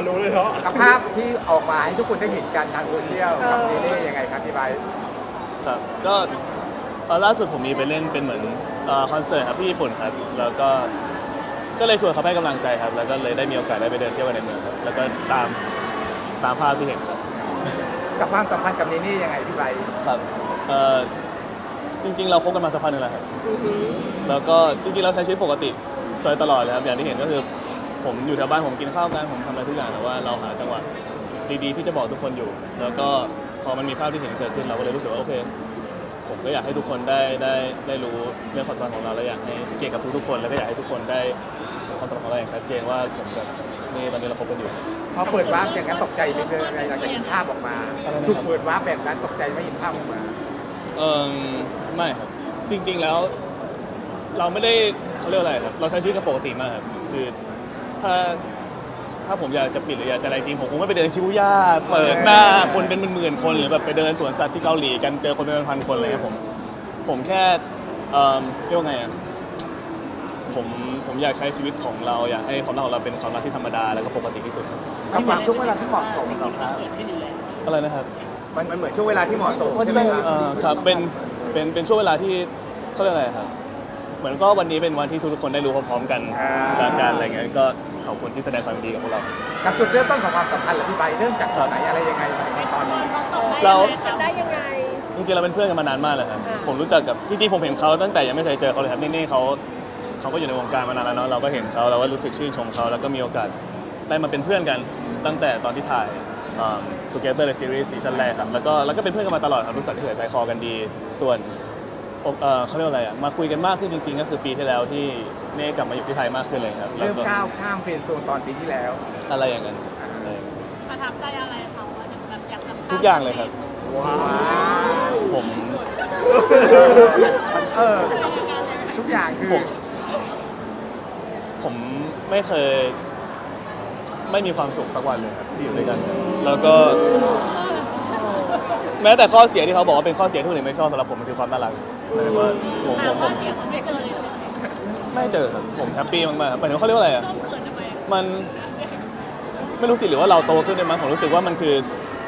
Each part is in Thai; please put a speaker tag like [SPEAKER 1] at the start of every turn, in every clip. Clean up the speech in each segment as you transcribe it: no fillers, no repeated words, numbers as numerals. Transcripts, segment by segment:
[SPEAKER 1] รู้เลยเนาะ
[SPEAKER 2] กับภาพที่ออกมาให้ทุกคนได้เห็นกันทางโซเชียลกับเนเน่ยังไงครับพี่ไบร์ท
[SPEAKER 3] ครับก็ล่าสุดผมมีไปเล่นเป็นเหมือนคอนเสิร์ตครับที่ญี่ปุ่นครับแล้วก็เลยชวนเขาให้กำลังใจครับแล้วก็เลยได้มีโอกาสได้ไปเดินเที่ยวกันในเมืองครับแล้วก็ตามภาพที่เห็นครับ
[SPEAKER 2] กับความสัมพันธ์กับเนเน่ยังไงพี่ไบร์ท
[SPEAKER 3] ครับจริงๆเราคบกันมาสักพักหนึงแล้วครับแล้วก็จริงๆเราใช้ชีวิตปกติโดยตลอดเลยครับอย่างที่เห็นก็คือผมอยู่แถวบ้านผมกินข้าวกันผมทำอะไรทุกอย่างแต่ว่าเราหาจังหวะดีๆที่จะบอกทุกคนอยู่แล้วก็พอมันมีภาพที่เห็นเกิดขึ้นเราก็เลยรู้สึกว่าโอเคผมก็อยากให้ทุกคนได้รู้เรื่องความสัมพันธ์ของเราและอยากให้เกี่ยวกับทุกๆคนแล้วก็อยากให้ทุกคนได้ความสัมพันธ์ของเราอย่างชัดเจนว่าผมกับนี่ตอนนี้เราคบกันอยู่
[SPEAKER 2] พอเปิดวาร์ปอย่างนั้นตกใจไหมเลยหลังจากเห็นภาพออกมาถูกเปิดวาร์ปแบบนั้นตกใจไม่เห็นภาพออกมา
[SPEAKER 3] ไม่ครับจริงๆแล้วเราไม่ได้เขาเรียกอะไรครับเราใช้ชีวิตกันปกติมากครับคือถ้าผมอยากจะปิดหรืออยากจะอะไรจริงผมคงไม่ไปเดินชิบูย่าเปิดหน้าคนเป็นหมื่นๆคนหรือแบบไปเดินสวนสัตว์ที่เกาหลีกันเจอคนเป็นพันคนอะไรเลยผมแค่เรียกว่าไงอ่ะผมอยากใช้ชีวิตของเราอยากให้ความรักของเราเป็นความรักที่ธรรมดาแล้วก็ปกติที่สุด
[SPEAKER 2] กับความช่วงเวลาที่เหมาะสมครับ
[SPEAKER 3] อะไรนะครับ
[SPEAKER 2] มันเหมือนช่วงเวลาที่เหมาะสมใช่ไหม
[SPEAKER 3] ครับเป็นช่วงเวลาที่เขาเรียกอะไรครับเหมือนก็วันนี้เป็นวันที่ทุกคนได้รู้พร้อมๆกันและการอะไรเงี้ยก็ขอบคุณที่แสดงความดีกับพวกเรา
[SPEAKER 2] กับจุดเริ่มต้นของความสัมพันธ์หรือพี่ใบเริ่มจากจุดไหนอะไรยังไงมาตอนนี้
[SPEAKER 3] เรา
[SPEAKER 4] ได้ยังไง
[SPEAKER 3] จริงๆเราเป็นเพื่อนกันมานานมากเลยครับผมรู้จักกับจริงๆผมเห็นเขาตั้งแต่ยังไม่เคยเจอเขาเลยครับนี่เขาก็อยู่ในวงการมานานแล้วเนาะเราก็เห็นเขาเราก็รู้สึกชื่นชมเขาแล้วก็มีโอกาสได้มาเป็นเพื่อนกันตั้งแต่ตอนที่ถ่าย Together ในซีรีส์ซีซั่นแรกครับแล้วก็เป็นเพื่อนกันมาตลอดครับรู้สึกที่ใจคอกันดีส่วนเขาเรียกว่าอะไรอ่ะมาคุยกันมากขึ้นจริงๆก็คือปีที่แล้วที่เน่กลับมาอยู่ที่ไทยมากขึ้นเลยครับ
[SPEAKER 2] เริ่มก้าวข้ามเฟรนด์โซนตอนปีที่แล้ว
[SPEAKER 3] อะไรอย่างนั้น
[SPEAKER 4] ประทับใจอะไรเขาแบบอยากทำ
[SPEAKER 3] ทุกอย่างเลยครับ
[SPEAKER 2] ว้าว
[SPEAKER 3] ผม
[SPEAKER 2] ทุกอย่างคือ
[SPEAKER 3] ผมไม่เคยไม่มีความสุขสักวันเลยครับที่อยู่ด้วยกันแล้วก็แม้แต่ข้อเสียที่เขาบอกว่าเป็นข้อเสียที่คนอื่นไม่ชอบสำหรับผมมันคือความน่ารักหมายถึงว่าผม
[SPEAKER 4] ข้อเสียผมไม่เจอเลย
[SPEAKER 3] ไม่เจอครับผมแฮปปี้มากๆครับหมายถึงเขาเรียกว่าอะไรอ่ะมันไม่รู้สิหรือว่าเราโตขึ้นได้มั้งผมรู้สึกว่ามันคือ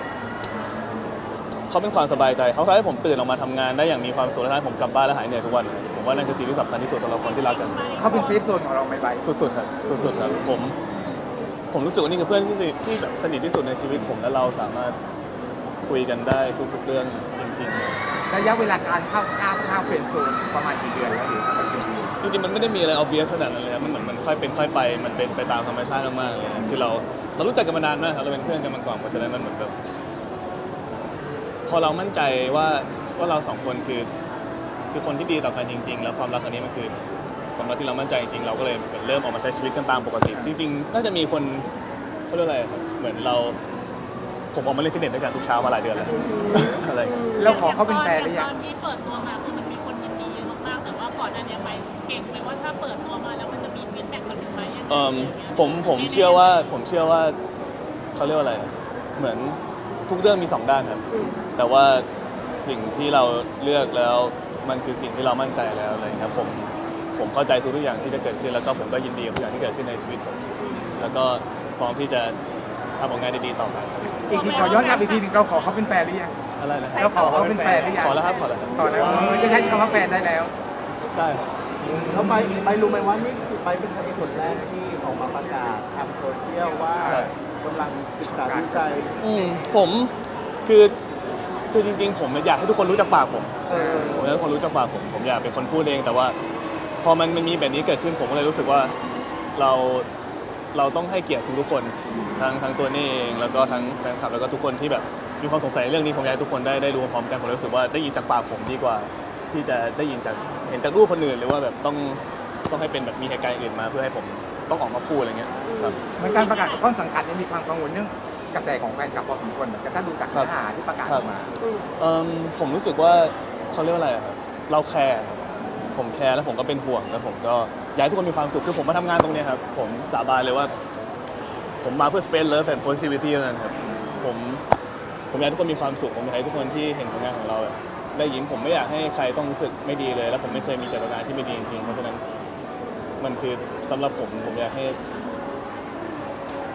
[SPEAKER 3] เขาเป็นความสบายใจเขาทำให้ผมตื่นออกมาทำงานได้อย่างมีความสุขและทำให้ผมกลับบ้านและหายเหนื่อยทุกวันผมว่านั่นคือสิ่งที่สำคัญที่สุดสำหรับคนที่รักกัน
[SPEAKER 2] เขาเป็นเซฟโซนของเราไม่ไป
[SPEAKER 3] สุดๆครับสุดๆครับผมรู้สึกว่านี่คือเพื่อนที่แบบสนิทที่สุดในชีวิตผมและเราสามารถคุยกันได้ทุกๆเรื่องจริง
[SPEAKER 2] ๆระยะเวลาการเข้าเฟรนด์โซนประมาณกี่เดือนแล้ว
[SPEAKER 3] จริงๆมันไม่ได้มีอะไร obvious ขนาดนั้นเลยครับมันเหมือนมันค่อยเป็นค่อยไปมันเป็นไปตามธรรมชาติมากๆเลยคือเรารู้จักกันมานานมากครับเราเป็นเพื่อนกันมาก่อนเพราะฉะนั้นมันเหมือนแบบพอเรามั่นใจว่าเราสองคนคือคนที่ดีต่อกันจริงๆแล้วความรักครั้งนี้มันคือความรักที่เรามั่นใจจริงๆเราก็เลยเริ่มออกมาใช้ชีวิตกันตามปกติจริงๆน่าจะมีคนเขาเรียกอะไรครับเหมือนผมออกมาเล่นฟิตเนสด้วยกันทุกเช้ามาหลายเดือนแล้วอะไร
[SPEAKER 2] เราขอเขาเป็นแฟนหรือยัง
[SPEAKER 4] ตอนที่เปิดตัวมาคือมันมีคนยินดีเยอะมากๆแต่ว่าก่อนหน้านี้ไปเก่งไปว่าถ้าเปิดตัวมาแล้วมันจะมีฟีดแบ็กมาถึงไหม
[SPEAKER 3] ผมเชื่อว่าเขาเรียกว่าอะไรเหมือนทุกเรื่องมี2ด้านครับแต่ว่าสิ่งที่เราเลือกแล้วมันคือสิ่งที่เรามั่นใจแล้วอะไรครับผมเข้าใจทุกอย่างที่จะเกิดขึ้นแล้วก็ผมก็ยินดีกับทุกอย่างที่เกิดขึ้นในชีวิตผมแล้วก็พร้อมที่จะทำผลงานดีๆต่อไป
[SPEAKER 2] อีกทีขอย้อนกลับอีกทีนึงเราขอเขาเป็นแฟนหรือยัง
[SPEAKER 3] อะไรนะ
[SPEAKER 2] เราขอเขาเป็นแฟนหรือยัง
[SPEAKER 3] ขอแล้วครับขอแล้ว
[SPEAKER 2] จะใช้คำว่าแฟนได้แล้ว
[SPEAKER 3] ได้ครับ
[SPEAKER 5] แล้วไปรู้ไหมว่านี่คือไปเป็นคนแรกที่ออกมาประกาศทางโซเชียลว่ากำลังศึกษาดูใจ
[SPEAKER 3] ผมคือจริงๆผมอยากให้ทุกคนรู้จักปากผมอยากให้ทุกคนรู้จักปากผมอยากเป็นคนพูดเองแต่ว่าพอมันมีแบบนี้เกิดขึ้นผมก็เลยรู้สึกว่าเราต้องให้เกียรติทุกคนทั้งตัวนี่เองแล้วก็ทั้งแฟนคลับแล้วก็ทุกคนที่แบบมีความสงสัยเรื่องนี้ผมอยากให้ทุกคนได้รู้พร้อมกันผมรู้สึกว่าได้ยินจากปากผมดีกว่าที่จะได้ยินเห็นจากรูปคนอื่นหรือว่าแบบต้องให้เป็นแบบมีเหตุการณ์อื่นมาเพื่อให้ผมต้องออกมาพูดอะไรเงี้ยครับ
[SPEAKER 2] เหมือนการประกาศกับต้นสังกัดยังมีความกังวลเรื่องกระแสของแฟนคลับพอสมควรเหมือนกันถ้าดูจากเนื้อหาที่ประกาศออกมา
[SPEAKER 3] ผมรู้สึกว่าเขาเรียกว่าอะไรครับเราแคร์ผมแคร์แล้วผมก็เป็นห่วงแล้วผมก็อยากให้ทุกคนมีความสุขคือผมมาทำงานตรงนี้ครับผมสาบานเลยว่าผมมาเพื่อ space love and positivity นั่นครับผมอยากให้ทุกคนมีความสุขผมอยากให้ทุกคนที่เห็นผลงานของเราได้ยิ้มผมไม่อยากให้ใครต้องรู้สึกไม่ดีเลยแล้วผมไม่เคยมีเจตนาที่ไม่ดีจริงๆเพราะฉะนั้นมันคือสำหรับผมอยากให้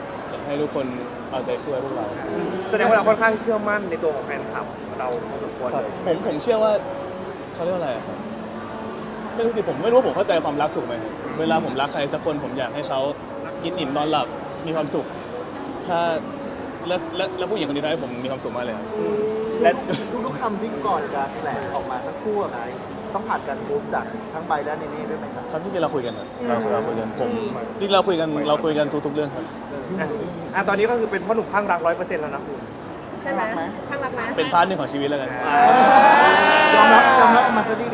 [SPEAKER 3] ให้ทุกคนเอาใจช่วยพวกเรา
[SPEAKER 1] แสดงว่าเราค่อนข้างเชื่อมั่นในตัวของแฟนคลับเราพอสมควร
[SPEAKER 3] ครับ
[SPEAKER 1] เลย
[SPEAKER 3] ผมเชื่อว่าเขาเรียกว่าอะไรอะครับไม่รู้สิผมไม่รู้ว่าผมเข้าใจความรักถูกไหมครับเวลาผมรักใครสักคนผมอยากให้เขากินอิ่มนอนหลับมีความสุข ถ้าแล้วผู้หญิงคนนี้ทำให้ผมมีความสุขมากเลยครับ
[SPEAKER 1] และ
[SPEAKER 5] ทุกๆคำที่ก่อนจะแถลงออกมาทั้งคู่อะไงต้องผ่านการพูดจากทั้งใบและเนเน่ด้วยไหมครับ
[SPEAKER 3] ครับที่จริงเราคุยกันครับเราคุยกันผมที่เราคุยกันทุกๆเรื่องครับ
[SPEAKER 1] ตอนนี้ก็คือเป็นพ่อหนุ่มข้างรัก100%แล้วนะคุณ
[SPEAKER 6] ใช่ไหมข้างรักไหม
[SPEAKER 3] เป็นพาร์ทหนึ่งของชีวิตแล้วกัน
[SPEAKER 5] ยอมรับออกมาซะดี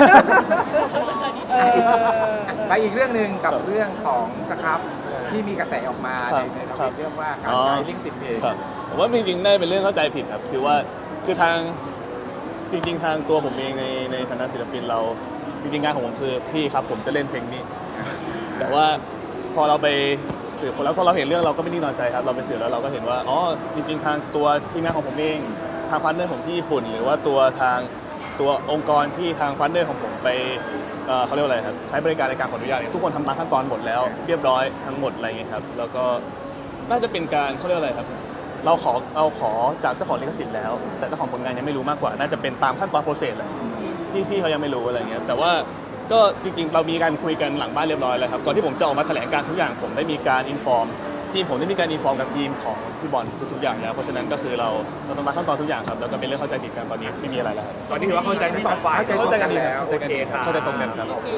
[SPEAKER 2] ไปอีกเรื่องหนึ่งกับ
[SPEAKER 3] ครับ
[SPEAKER 2] เรื่องของสครับที่มีกระแสออกมา
[SPEAKER 3] ครับ
[SPEAKER 2] ใน
[SPEAKER 3] ครั
[SPEAKER 2] ท
[SPEAKER 3] บ
[SPEAKER 2] วิตเรื่องว่าการใช้ลิงก์ติดเพจ
[SPEAKER 3] ครับผมว่าจริงๆได้เป็นเรื่องเข้าใจผิดครับคือว่าคือทางจริง ๆ ทางตัวผมเองในฐานะศิลปินเราจริงๆงานของผมคือพี่ครับผมจะเล่นเพลงนี้ แต่ว่าพอเราไปสืบแล้วพอเราเห็นเรื่องเราก็ไม่นิ่งนอนใจครับเราไปสืบแล้วเราก็เห็นว่าอ๋อจริงๆทางตัวทีมงานของผมเองทางพาร์ทเนอร์ผมที่ญี่ปุ่น หรือว่าตัวองค์กรที่ทางพาร์ทเนอร์ของผมไปเขาเรียกว่าอะไรครับใช้บริการในการขออนุญาตเนี่ยทุกคนทำตามขั้นตอนหมดแล้วเรียบร้อยทั้งหมดอะไรอย่างเงี้ยครับแล้วก็น่าจะเป็นการเขาเรียกว่าอะไรครับเราขอจากเจ้าของลิขสิทธิ์แล้ว แต่เจ้าของผลงานยังไม่รู้มากกว่า น่าจะเป็นตามขั้นตอนโปรเซสแหละที่พี่เขายังไม่รู้อะไรอย่างเงี้ยแต่ว่าก็จริงๆเรามีการคุยกันหลังบ้านเรียบร้อยแล้วครับก่อนที่ผมจะออกมาแถลงการทุกอย่างผมได้มีการอินฟอร์มทีมผมได้มีการอินฟอร์มกับทีมของพี่บอลทุกๆอย่างแล้วเพราะฉะนั้นก็คือเราต้องตามขั้นตอนทุกอย่างครับแล้วก็เป็นเรื่องเข้าใจผิดกันตอนนี้ไม่มีอะไรแล้วครับ
[SPEAKER 1] ตอนนี้ถือว่าเข้าใจทั้งสองฝ่าย
[SPEAKER 2] เข้าใจกันแล้ว
[SPEAKER 1] โอเคครับ
[SPEAKER 3] เข้าใจตรงกันครับ